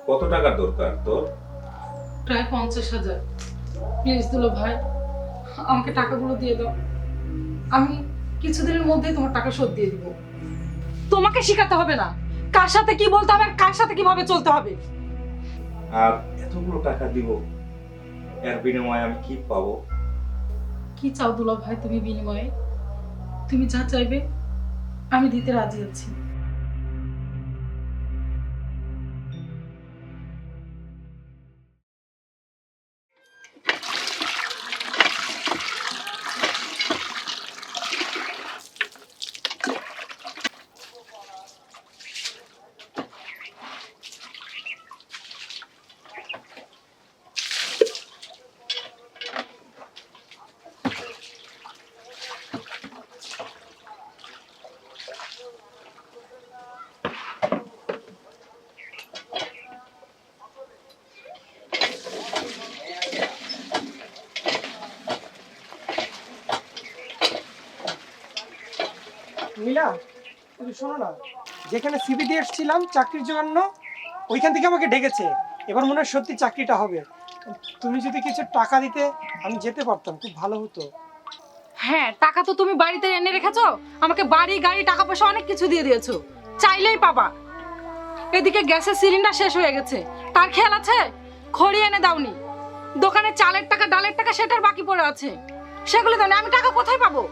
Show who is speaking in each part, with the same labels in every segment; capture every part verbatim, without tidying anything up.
Speaker 1: কত টাকার দরকার তোর?
Speaker 2: প্রায় পঞ্চাশ হাজার। প্লিজ দুলো ভাই, আমাকে টাকাগুলো দিয়ে দাও। আমি কিছুদিনের মধ্যেই তোমার টাকা শোধ দিয়ে দিব। তোমাকে শেখাতে হবে না কার সাথে কি বলতে হবে আর কার সাথে কিভাবে চলতে হবে।
Speaker 1: আর এতগুলো টাকা দিব, এর বিনিময়ে আমি কি পাবো?
Speaker 2: কি চাও দুলো ভাই তুমি বিনিময়ে? তুমি যা চাইবে আমি দিতে রাজি আছি।
Speaker 3: নীলা, তুমি শোনো না, যেখানে সিভি দিয়ে এসেছিলাম চাকরির জন্য ওইখান থেকে আমাকে ডেকেছে। এবার মনে হয় সত্যি চাকরিটা হবে। তুমি যদি কিছু টাকা দিতে আমি যেতে পারতাম, খুব ভালো হতো।
Speaker 2: হ্যাঁ, টাকা তো তুমি বাড়িতে এনে রেখেছো। আমাকে বাড়ি গাড়ি টাকা পয়সা অনেক কিছু দিয়ে দিয়েছো, চাইলেই পাবা। এদিকে গ্যাসের সিলিন্ডার শেষ হয়ে গেছে, তার খেয়াল আছে? খড়ি এনে দাওনি। দোকানে চালের টাকা ডালের টাকা সেটার বাকি পড়ে আছে, সেগুলো দাওনি। আমি টাকা কোথায় পাবো?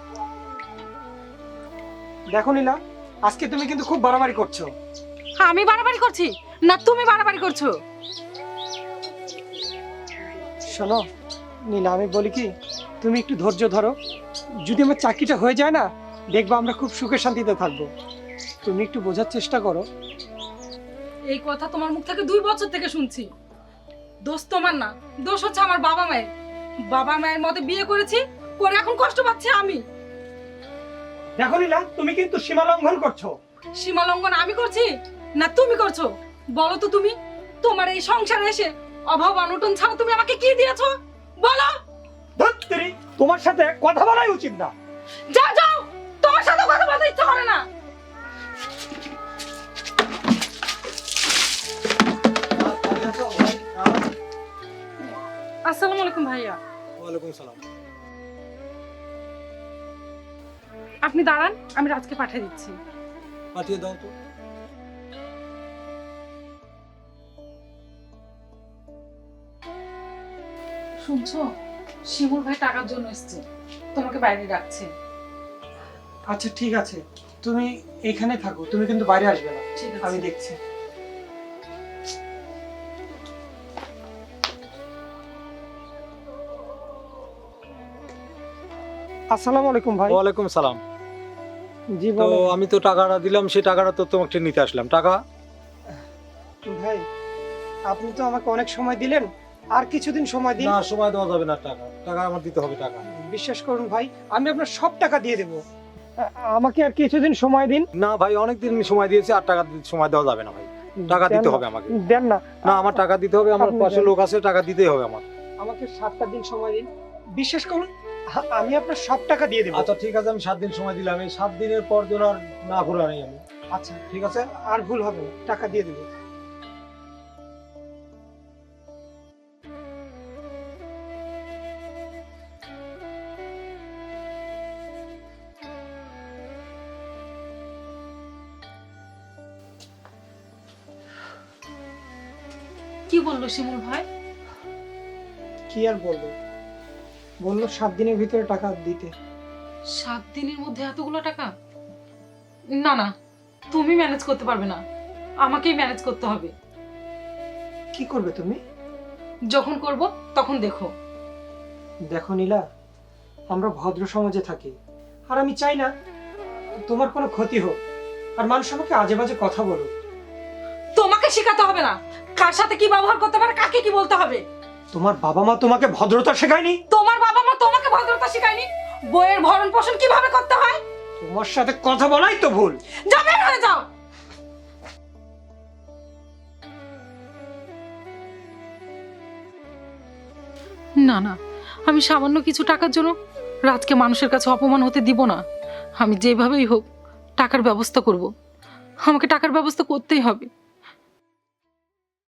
Speaker 3: দেখো নীলা, আজকে তুমি কিন্তু খুব বাড়াবাড়ি করছো।
Speaker 2: আমি বাড়াবাড়ি করছি না তুমি বাড়াবাড়ি করছো?
Speaker 3: শোনো নীলা, আমি বলি কি, তুমি একটু ধৈর্য ধরো। যদি আমার চাকরিটা হয়ে যায় না, দেখবা আমরা খুব সুখে শান্তিতে থাকবো। তুমি একটু বোঝার চেষ্টা করো।
Speaker 2: এই কথা তোমার মুখ থেকে দুই বছর থেকে শুনছি। দোষ তোমার না, দোষ হচ্ছে আমার বাবা মায়ের। বাবা মায়ের মতে বিয়ে করেছি, করে এখন কষ্ট পাচ্ছি আমি।
Speaker 3: দেখো নীলা, তুমি কিন্তু সীমা লঙ্ঘন করছো।
Speaker 2: সীমা লঙ্ঘন আমি করছি না তুমি করছো? বলো তো তুমি, তোমার এই সংসারে এসে অভাব অনটন ছাড়া তুমি আমাকে কি দিয়েছো বলো?
Speaker 3: ধত্তেরি, তোমার সাথে কথা বলাই উচিত না।
Speaker 2: যাও যাও, তোমার সাথে কথা বলতে ইচ্ছা করে না। আসসালামু আলাইকুম ভাইয়া।
Speaker 3: ওয়ালাইকুম সালাম।
Speaker 2: আপনি দাঁড়ান, আমি রাজকে পাঠিয়ে দিচ্ছি।
Speaker 3: পাঠিয়ে দাও তো।
Speaker 2: শুনছো, শিমুল ভাই টাকার জন্য এসেছে, তোমাকে বাইরে ডাকছে।
Speaker 3: আচ্ছা ঠিক আছে, তুমি এখানে থাকো, তুমি কিন্তু বাইরে আসবে না।
Speaker 2: ঠিক আছে,
Speaker 3: আমি দেখছি। আসসালামু আলাইকুম ভাই।
Speaker 4: ওয়ালাইকুম সালাম।
Speaker 3: জি
Speaker 4: তো
Speaker 3: বলো।
Speaker 4: আমি তো টাকাটা দিলাম, সেই টাকাটা তো তোমাকে নিতে আসলাম। টাকা
Speaker 3: ভাই, আপনি তো আমাকে অনেক সময় দিলেন, আর কিছুদিন সময় দিন।
Speaker 4: না, সময় দেওয়া যাবে না। টাকা টাকা আমার দিতে হবে। টাকা
Speaker 3: বিশ্বাস করুন ভাই, আমি আপনার সব টাকা দিয়ে দেবো। আ- আমাকে আর কিছুদিন সময় দিন।
Speaker 4: না ভাই, অনেকদিন সময় দিয়েছি, আর টাকা দিতে সময় দেওয়া যাবে না ভাই। টাকা
Speaker 3: দেন
Speaker 4: দিতে
Speaker 3: না,
Speaker 4: হবে আমাকে।
Speaker 3: দেন না।
Speaker 4: না, আমার টাকা দিতে হবে। আমার
Speaker 3: আপনি
Speaker 4: পাশে
Speaker 3: দেন।
Speaker 4: লোক আছে, টাকা দিতেই হবে আমার।
Speaker 3: আমাকে সাতটা দিন সময় দিন। বিশ্বাস করুন, আ- আমি আপনার সব টাকা দিয়ে দেবো।
Speaker 4: আচ্ছা ঠিক আছে, আমি সাত দিন সময় দিলাম। এই সাত দিনের পর যেন আর না ঘুরে আনি আমি।
Speaker 3: আচ্ছা
Speaker 4: ঠিক আছে।
Speaker 3: আর ভুল হবে না, টাকা দিয়ে দেবো।
Speaker 2: কি বললো শিমুল ভাই?
Speaker 3: কি আর বলবো, বললো সাত দিনের ভিতরে টাকা দিতে।
Speaker 2: সাত দিনের মধ্যে এতগুলো টাকা? না না, তুমি ম্যানেজ করতে পারবে না, আমাকেই ম্যানেজ করতে হবে।
Speaker 3: কি করবে তুমি?
Speaker 2: যখন করব তখন দেখো।
Speaker 3: দেখো নীলা, আমরা ভদ্র সমাজে থাকি, আর আমি চাই না তোমার কোনো ক্ষতি হোক, আর মানুষ আমাকে আজে বাজে কথা বলুক।
Speaker 2: তোমাকে শেখাতে হবে না কার সাথে কি ব্যবহার করতে হবে, কাকে কি বলতে হবে।
Speaker 3: তোমার বাবা মা তোমাকে ভদ্রতা শেখায়নি?
Speaker 2: তোমার বাবা মা তোমাকে ভদ্রতা শেখায়নি? বইয়ের ভরণ পোষণ কিভাবে করতে হয়?
Speaker 3: তোমার সাথে কথা বলাই তো ভুল।
Speaker 2: যাও, বের হয়ে যাও। না না, আমি সামান্য কিছু টাকার জন্য রাজকে মানুষের কাছে অপমান হতে দিব না। আমি যেভাবেই হোক টাকার ব্যবস্থা করব। আমাকে টাকার ব্যবস্থা করতেই হবে।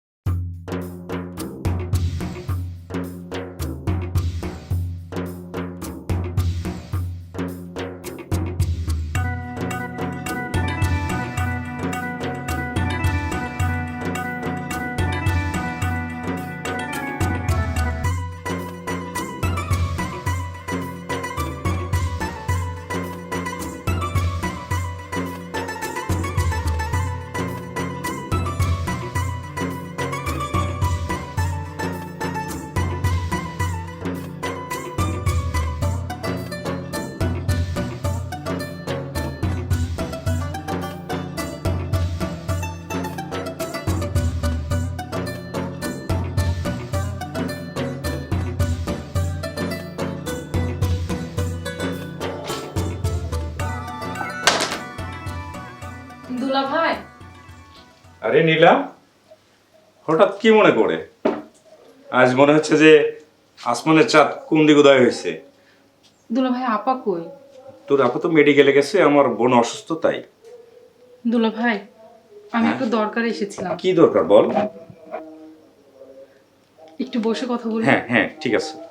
Speaker 1: আরে নীলা, হঠাৎ কি মনে করে? আজ মনে হচ্ছে যে আসমানের চাঁদ কোন দিকে উদয় হয়েছে।
Speaker 2: দুলা ভাই আপা কই?
Speaker 1: তোর আপা তো মেডিকেলে গেছে, আমার বোন অসুস্থ তাই।
Speaker 2: দুলা ভাই আমি একটু দরকারে এসেছিলাম,
Speaker 1: কি দরকার বল?
Speaker 2: একটু বসে কথা বলি।
Speaker 1: হ্যাঁ হ্যাঁ ঠিক আছে।